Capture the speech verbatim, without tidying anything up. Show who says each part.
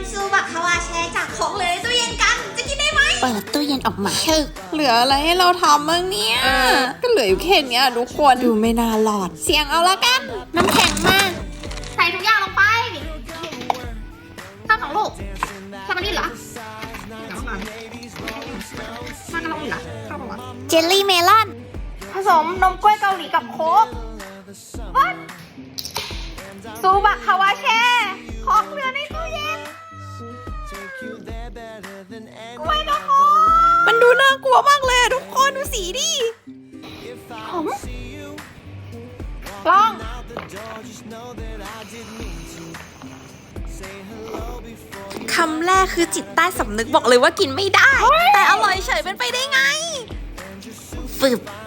Speaker 1: ซูบะคาวาแชร์จากของเหลือในตู้เย็นกันจะกินได้ไหม
Speaker 2: เปิดตู้เย็นออกมาชึก
Speaker 3: เหลืออะไรให้เราทำบ้างเนี่ย ก็เหลืออยู่แค่เนี้ยทุกคนดูไม่น่ารอด เสียงเอาละกัน
Speaker 2: น้ำแข็งมาก
Speaker 1: ใส่ทุกอย่างลงไปข้าวสองลูกแค่มันนี่เหรอเดี๋ยวมามากันลงอีกเหรอข้าวบอกว่า
Speaker 2: เจลลี่เมลอน
Speaker 1: ผสมนมกล้วยเกาหลีกับโค้กวัดซูบะคาวาแชร์ของเหลือในตู้เย็นกล้วยกับโค้ก
Speaker 3: มันดูน่ากลัวมากเลยอะทุกคนดูสีดิ
Speaker 1: หอมลอง
Speaker 3: คำแรกคือจิตใต้สำนึกบอกเลยว่ากินไม่ได้ แต่อร่อยเฉยเป็นไปได้ไง
Speaker 2: ฝึบ